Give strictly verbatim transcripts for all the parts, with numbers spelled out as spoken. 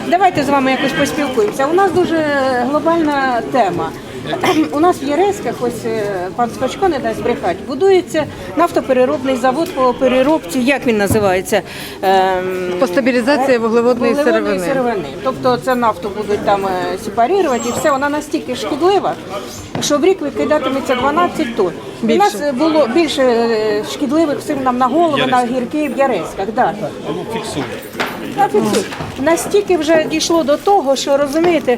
Давайте з вами якось поспілкуємося. У нас дуже глобальна тема. У нас в Єреськах, ось пан Спачко не дасть брехати, будується нафтопереробний завод по переробці, як він називається? Ем, По стабілізації вуглеводної сировини. сировини. Тобто це нафту будуть там сепарувати і все, вона настільки шкідлива, що в рік викидатиметься дванадцять тонн. У нас було більше шкідливих всім нам на голову, на гірки в Єреськах. Да. Фіксує. Настільки вже дійшло до того, що розумієте,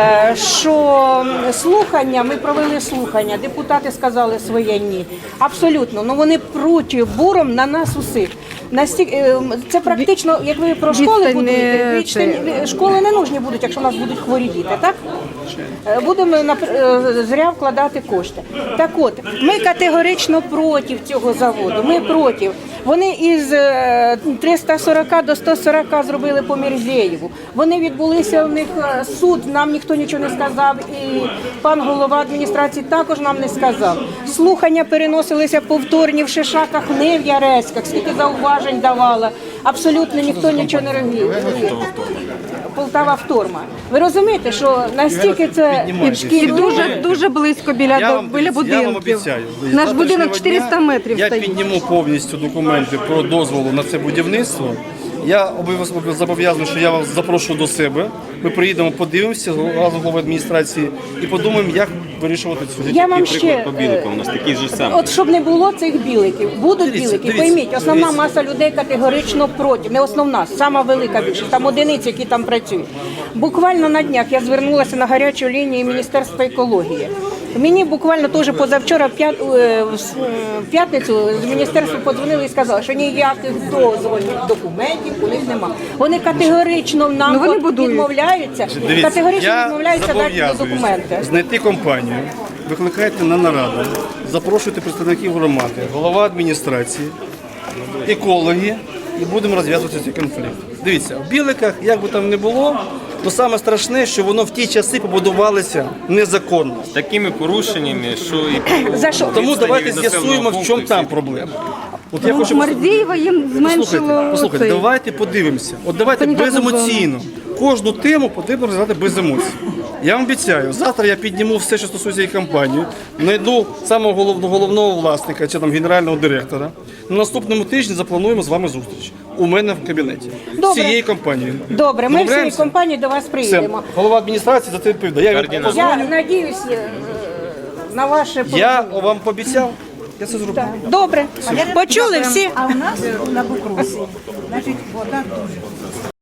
що слухання, ми провели слухання, депутати сказали своє ні. Абсолютно, ну вони пруть буром на нас усіх. Настільки, це практично, як ви про школи будуєте, відстані, школи не нужні будуть, якщо у нас будуть хворі діти, так? Будемо зря вкладати кошти. Так от, ми категорично проти цього заводу, ми проти. Вони із триста сорок до сто сорок зробили по Мірзеєву. Вони відбулися, у них суд, нам ніхто нічого не сказав, і пан голова адміністрації також нам не сказав. Слухання переносилися повторні в Шишаках, не в Яреськах, скільки зауважень давала. Абсолютно ніхто нічого не робив. Полтава Вторма. Ви розумієте, що настільки це І дуже, дуже близько біля, Я вам, біля я вам будинків. обіцяю. Наш будинок чотириста метрів Я стоїть. підніму повністю документи про дозволу на це будівництво. Я обов'язково зобов'язаний, що я вас запрошую до себе. Ми приїдемо, подивимося разом з головою адміністрації і подумаємо, як вирішувати цю. Я вам ще, По біликам у нас такий же самий. от щоб не було цих біликів, будуть Дивіться, білики, дивіться, пойміть, основна дивіться. маса людей категорично проти, не основна, сама велика більшість, там одиниці, які там працюють. Буквально на днях я звернулася на гарячу лінію Міністерства екології. Мені буквально теж позавчора в п'ят- е, в п'ятницю з міністерства подзвонили і сказали, що ніяких дозвольних документів у них немає. Вони категорично нам Ну, вони будують. відмовляються, Дивіться, категорично я відмовляються дати зобов'язуюсь документи. знайти компанію, викликайте на нараду, запрошуйте представників громади, голова адміністрації, екологи і будемо розв'язувати цей конфлікт. Дивіться, в Біликах, як би там не було, то саме страшне, що воно в ті часи побудувалося незаконно. З такими порушеннями, що і За що? Тому відстані давайте від населеного з'ясуємо, в пункту чому і там всі. проблема. От я Ну, хочу Мардієва їм зменшило Послухайте, послухайте, цей. давайте подивимося. От давайте Санітарну беземоційно. Кожну тему потрібно розглядати без емоцій. Я вам обіцяю, завтра я підніму все, що стосується її компанії, знайду самого головного, головного власника чи там генерального директора. На наступному тижні заплануємо з вами зустріч. У мене в кабінеті. З Добре. цією компанією. Добре, ми всією Домовляємося? компанією до вас Все. приїдемо. Голова адміністрації за це відповідає. Я, Координатор. позвоню. Я надіюсь е, на ваше Я вам пообіцяв, я це зроблю. Добре. Почули всі? А у нас на Букрусі, значить, вода дуже.